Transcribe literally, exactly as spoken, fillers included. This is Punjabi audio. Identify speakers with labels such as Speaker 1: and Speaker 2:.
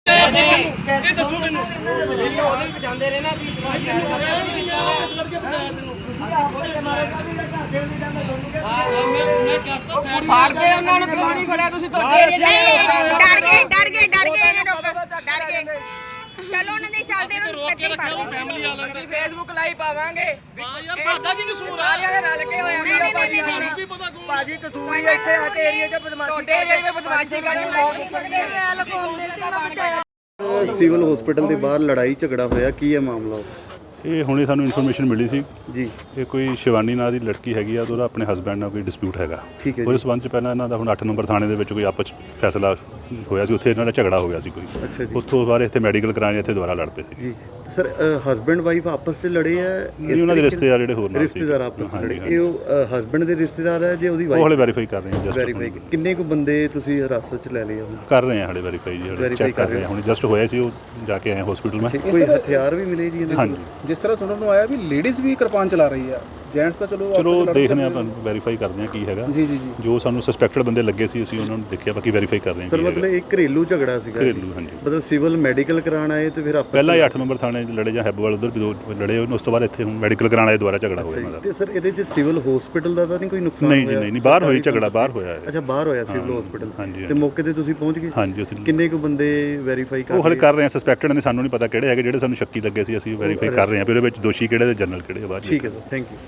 Speaker 1: ਇਹ ਦੱਸੋ ਮੈਨੂੰ
Speaker 2: ਉਹਦੇ ਵਿੱਚ ਜਾਂਦੇ ਰਹੇ ਨਾ ਵੀ
Speaker 1: ਲੜਕੇ ਬਚਾਇਆ ਤੈਨੂੰ ਮੈਂ ਕਰਤਾ ਸਾਈਡ
Speaker 2: ਫਾੜਦੇ ਉਹਨਾਂ ਨੂੰ ਕਿਉਂ ਨਹੀਂ ਫੜਿਆ ਤੁਸੀਂ ਤੁਹਾਡੇ ਏਰੀਆ ਦੇ
Speaker 3: ਡਰ ਗਏ ਡਰ ਗਏ ਡਰ ਗਏ ਇਹ ਲੋਕ ਡਰ ਗਏ ਚਲੋ ਉਹਨਾਂ ਦੇ ਚੱਲਦੇ ਉਹਨਾਂ ਨੂੰ
Speaker 1: ਰੋਕ ਕੇ
Speaker 3: ਕਿੱਥੇ
Speaker 1: ਰੱਖਿਆ ਉਹ
Speaker 3: ਫੜ
Speaker 1: ਫੈਮਿਲੀ ਵਾਲਾ
Speaker 2: ਅਸੀਂ ਫੇਸਬੁੱਕ ਲਾਈਵ ਪਾਵਾਂਗੇ
Speaker 1: ਹਾਂ ਯਾਰ ਤੁਹਾਡਾ ਕੀ ਕਸੂਰ ਆ
Speaker 2: ਸਾਰਿਆਂ ਦੇ ਰਲ ਕੇ ਹੋਇਆ
Speaker 3: ਨਹੀਂ, ਨਹੀਂ, ਨਹੀਂ, ਨਹੀਂ,
Speaker 1: ਸਾਨੂੰ ਵੀ ਪਤਾ ਕੌਣ
Speaker 4: ਭਾਜੀ ਕਸੂਰ ਹੀ ਇੱਥੇ ਆ ਕੇ ਏਰੀਆ 'ਚ ਬਦਮਾਸ਼ੀ
Speaker 2: ਤੁਹਾਡੇ ਏਰੀਆ ਦੇ ਬਦਮਾਸ਼ੀ ਕਰਨ ਬਹੁਤ
Speaker 5: ਸਿਵਲ ਹਸਪੀਟਲ ਦੇ ਬਾਹਰ ਲੜਾਈ ਝਗੜਾ ਹੋਇਆ, ਕੀ ਹੈ ਮਾਮਲਾ?
Speaker 6: ਇਹ ਹੁਣੇ ਸਾਨੂੰ ਇਨਫੋਰਮੇਸ਼ਨ ਮਿਲੀ ਸੀ
Speaker 5: ਜੀ
Speaker 6: ਇਹ ਕੋਈ ਸ਼ਿਵਾਨੀ ਨਾਂ ਦੀ ਲੜਕੀ ਹੈਗੀ ਆ ਤੇ ਉਹਦਾ ਆਪਣੇ ਹਸਬੈਂਡ ਨਾਲ ਕੋਈ ਡਿਸਪਿਊਟ ਹੈਗਾ।
Speaker 5: ਠੀਕ ਹੈ ਜੀ।
Speaker 6: ਉਹਦੇ ਸਬੰਧ ਚ ਪਹਿਲਾਂ ਇਹਨਾਂ ਦਾ ਹੁਣ ਅੱਠ ਨੰਬਰ ਥਾਣੇ ਦੇ ਵਿੱਚ ਕੋਈ ਆਪਸ 'ਚ ਫੈਸਲਾ ਹੋਇਆ ਸੀ, ਉੱਥੇ ਇਹਨਾਂ ਦਾ ਝਗੜਾ ਹੋ ਗਿਆ ਸੀ ਕੋਈ।
Speaker 5: ਅੱਛਾ ਜੀ।
Speaker 6: ਉੱਥੋਂ ਬਾਅਦ ਇੱਥੇ ਮੈਡੀਕਲ ਕਰਾਉਣ ਇੱਥੇ ਦੁਬਾਰਾ ਲੜ ਪਏ ਸੀ।
Speaker 5: ਜੀ ਸਰ, ਹਸਬੈਂਡ ਵਾਈਫ ਆਪਸ 'ਚ ਲੜੇ ਆ?
Speaker 6: ਇਹ ਉਹਨਾਂ ਦੇ ਰਿਸ਼ਤੇਦਾਰ ਜਿਹੜੇ ਹੋਰ ਨਾਲ ਸੀ।
Speaker 5: ਰਿਸ਼ਤੇਦਾਰ ਆਪਸ 'ਚ
Speaker 6: ਹਾਂਜੀ,
Speaker 5: ਲੜੇ,
Speaker 6: ਹਾਂਜੀ।
Speaker 5: ਇਹ ਉਹ ਹਸਬੈਂਡ ਦੇ ਰਿਸ਼ਤੇਦਾਰ ਹੈ ਜੇ ਉਹਦੀ
Speaker 6: ਉਹ ਹਲੇ
Speaker 5: ਵਾਈਫ?
Speaker 6: ਵੈਰੀਫਾਈ ਕਰ ਰਹੇ ਹਾਂ ਜਸਟ
Speaker 5: ਵੈਰੀਫਾਈ ਕਿੰਨੇ ਕੁ ਬੰਦੇ ਤੁਸੀਂ ਹਿਰਾਸਤ 'ਚ ਲੈ ਲਏ ਆ?
Speaker 6: ਕਰ ਰਹੇ ਹਾਂ ਹਲੇ ਵੈਰੀਫਾਈ ਜੀ
Speaker 5: Verify
Speaker 6: ਚੈੱਕ
Speaker 5: ਕਰ
Speaker 6: ਕਰ ਰਹੇ ਹਾਂ ਹੁਣ ਜਸਟ ਹੋਇਆ ਸੀ ਉਹ ਜਾ ਕੇ ਆਏ ਹਸਪੀਟਲ ਮੈਂ।
Speaker 5: ਕੋਈ ਹਥਿਆਰ ਵੀ ਮਿਲੇ ਜੀ ਇਹਨਾਂ
Speaker 6: ਹਾਂਜੀ
Speaker 5: ਕੋਲ?
Speaker 4: ਜਿਸ ਤਰ੍ਹਾਂ ਸੁਣਨ ਨੂੰ ਆਇਆ ਵੀ ਲੇਡੀਜ਼ ਵੀ ਕਿਰਪਾਨ ਚਲਾ ਰਹੀ ਆ, ਜੈਂਟਸ ਤਾਂ ਚਲੋ
Speaker 6: ਚਲੋ
Speaker 4: ਆਪਸ 'ਚ
Speaker 6: ਦੇਖਦੇ ਹਾਂ
Speaker 4: ਲੜਦੇ
Speaker 6: ਤੁਹਾਨੂੰ ਵੈਰੀਫਾਈ ਕਰਦੇ ਹਾਂ ਕੀ ਹੈਗਾ।
Speaker 4: ਜੀ ਜੀ ਜੀ
Speaker 6: ਜੋ ਸਾਨੂੰ ਸਸਪੈਕਟਡ ਬੰਦੇ ਲੱਗੇ ਸੀ ਅਸੀਂ ਉਹਨਾਂ ਨੂੰ ਦੇਖਿਆ, ਬਾਕੀ ਵੈਰੀਫਾਈ ਕਰ ਰਹੇ ਹਾਂ
Speaker 5: ਸਰ
Speaker 6: ਕੀ
Speaker 5: ਮਤਲਬ
Speaker 6: ਹੈਗਾ।
Speaker 5: ਇਹ ਘਰੇਲੂ ਝਗੜਾ ਸੀਗਾ?
Speaker 6: ਘਰੇਲੂ, ਹਾਂਜੀ।
Speaker 5: ਮਤਲਬ ਸਿਵਲ ਮੈਡੀਕਲ ਕਰਾਉਣ ਆਏ ਤੇ ਫਿਰ ਆਪਸ 'ਚ-
Speaker 6: ਪਹਿਲਾਂ ਹੀ ਅੱਠ ਨੰਬਰ ਥਾਣੇ 'ਚ ਲੜੇ ਜਾਂ ਹੈਬੋਵਾਲ ਉਧਰ ਵੀ ਦੋ ਲੜੇ, ਉਸ ਤੋਂ ਬਾਅਦ ਇੱਥੇ ਹੁਣ ਮੈਡੀਕਲ ਕਰਾਉਣ ਆਏ ਦੁਬਾਰਾ ਝਗੜਾ ਹੋਇਆ ਇਹਨਾਂ ਦਾ।
Speaker 5: ਤੇ ਸਰ ਇਹਦੇ 'ਚ ਸਿਵਲ ਹਸਪੀਟਲ ਦਾ ਤਾਂ ਨਹੀਂ ਕੋਈ ਨੁਕਸਾਨ
Speaker 6: ਨਹੀਂ ਜੀ
Speaker 5: ਹੋਇਆ?
Speaker 6: ਨਹੀਂ ਨਹੀਂ ਬਾਹਰ ਹੋਈ ਝਗੜਾ, ਬਾਹਰ ਹੋਇਆ ਹੈ।
Speaker 5: ਅੱਛਾ ਬਾਹਰ ਹੋਇਆ ਸਿਵਲ ਹਸਪੀਟਲ।
Speaker 6: ਹਾਂਜੀ,
Speaker 5: ਤੇ ਮੌਕੇ ਤੇ ਤੁਸੀਂ ਪਹੁੰਚ ਗਏ?
Speaker 6: ਹਾਂਜੀ ਉੱਥੇ
Speaker 5: ਕਿੰਨੇ ਕੁ ਬੰਦੇ ਵੈਰੀਫਾਈ ਕਰ
Speaker 6: ਉਹ ਹਲੇ
Speaker 5: ਲਏ?
Speaker 6: ਕਰ ਰਹੇ ਆ, ਸਸਪੈਕਟਡ ਨੇ, ਸਾਨੂੰ ਨਹੀਂ ਪਤਾ ਕਿਹੜੇ ਹੈਗੇ, ਜਿਹੜੇ ਸਾਨੂੰ ਸ਼ੱਕੀ ਲੱਗੇ ਸੀ ਅਸੀਂ ਵੈਰੀਫਾਈ ਕਰ ਰਹੇ ਹਾਂ ਵੀ ਉਹਦੇ ਵਿੱਚ ਦੋਸ਼ੀ ਕਿਹੜੇ ਤੇ ਜਨਰਲ ਕਿਹੜੇ ਆ ਬਾਅਦ 'ਚ।
Speaker 5: ਠੀਕ ਹੈ ਸਰ, ਥੈਂਕ ਯੂ।